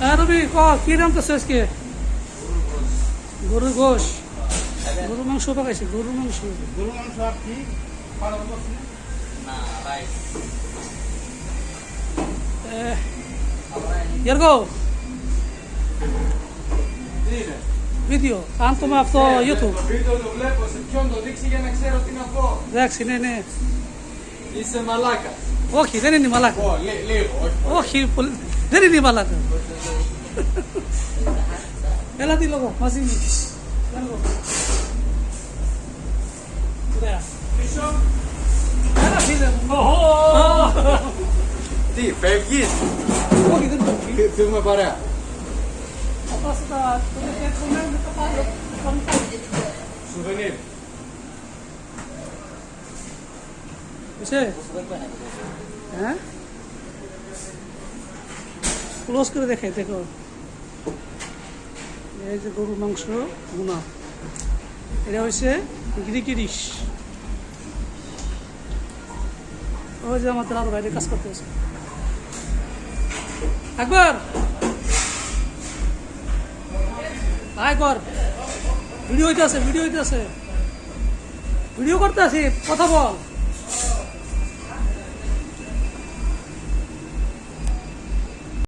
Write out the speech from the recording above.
রবি ক কি রান্তাছে আজকে? গরুর গোশ, গরুর মাংস পাকাইছে, গরুর মাংস। আর কি Yergo, video, tanto ma αυτό YouTube. Βίντεο το βλέπω, σε ποιον το δείξει για να ξέρω τι να πω. Εντάξει, ναι. Είσαι μαλάκα. Όχι, δεν είναι μαλάκα. Λίγο, όχι. Όχι, δεν είναι μαλάκα. Έλα τι λόγο, μαζί μου. Ωραία. Πίσω. Έλα φίλε μου. Τι, φεύγεις. Όχι, δεν φεύγει. Φύγουμε παρέα. Θα πάω στα τηλεφωνία με τα πάνω. Σουβενίρ. Είσαι. ক্লোজ করে দেখাই দেখো, এই যে গরুর মাংস ভুনা, এটা হচ্ছে গ্রিকি ডিশ। ওই যে আমাদের আরো বাইরে কাজ করতে হচ্ছে। একবার আয় কর, ভিডিও হইতে আছে, ভিডিও করতে আছে, কথা বল।